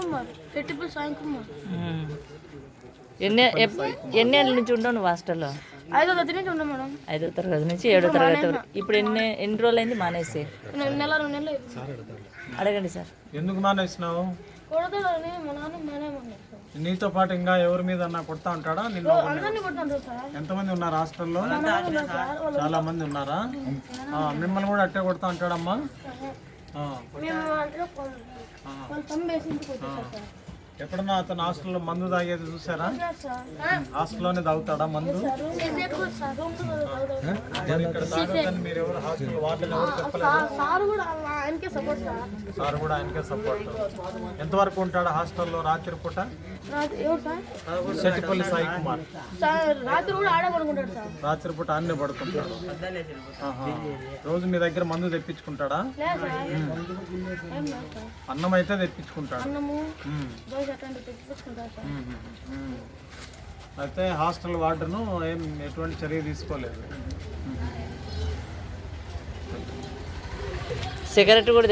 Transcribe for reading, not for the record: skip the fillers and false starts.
కుమార్, రెట్టిపల్లి సాయి కుమార్. ఎన్ని ఏళ్ళ నుంచి ఉండవు నువ్వు హాస్టల్లో? 5వ తరగతి నుంచి ఉన్నా మేడం. 5వ తరగతి నుంచి 7వ తరగతి వరకు. ఇప్పుడు ఎన్ని రోజులు అయింది మానేసి? నెల 2 నెలలు అడగండి సార్. ఎందుకు మానేసినావు? కొడతాడని మా నాన్న మానేమన్నారు. నీతో పాటు ఇంకా ఎవరి మీద కొడతా ఉంటాడా? నిన్ను అందరినీ కొడుతుంటారు సార్. ఎంతమంది ఉన్నారు హాస్టల్లో? సార్ చాలా మంది ఉన్నారా? మిమ్మల్ని కూడా అట్టే కొడతా ఉంటాడమ్మా? మేము అంటే వాళ్ళు తమ్మి వేసి ఇంటికి వచ్చేసారు సార్. ఎప్పుడన్నా అతను హాస్టల్లో మందు తాగేది చూసారా? సార్ హాస్టల్లోనే తాగుతాడా మందు? మరి ఇక్కడ తాగొద్దని మీరు ఎవరు హాస్టల్ వార్డెన్ ఎవరు చెప్పలేదు? సార్ కూడా ఆయనకే సపోర్ట్ సార్. సార్ కూడా ఆయనకే సపోర్ట్. ఎంతవరకు ఉంటాడా హాస్టల్లో రాత్రి పూట? ఎవరు సార్? సెట్టిపల్లి సాయి కుమార్. సార్ రాత్రి కూడా ఆడే పడుకుంటాడు సార్. రాత్రి పూట అన్నీ పడుకుంటాడు. రోజు మీ దగ్గర మందు తెప్పించుకుంటాడా? లేదు సార్, ఏం లేదు సార్. అన్నం అయితే తెప్పించుకుంటాడు. అన్నము దోశ అట్లాంటివి తెప్పించుకుంటారు సార్. అయితే హాస్టల్ వార్డెను ఎటువంటి చర్య తీసుకోలేదు. సిగరెట్ కూడా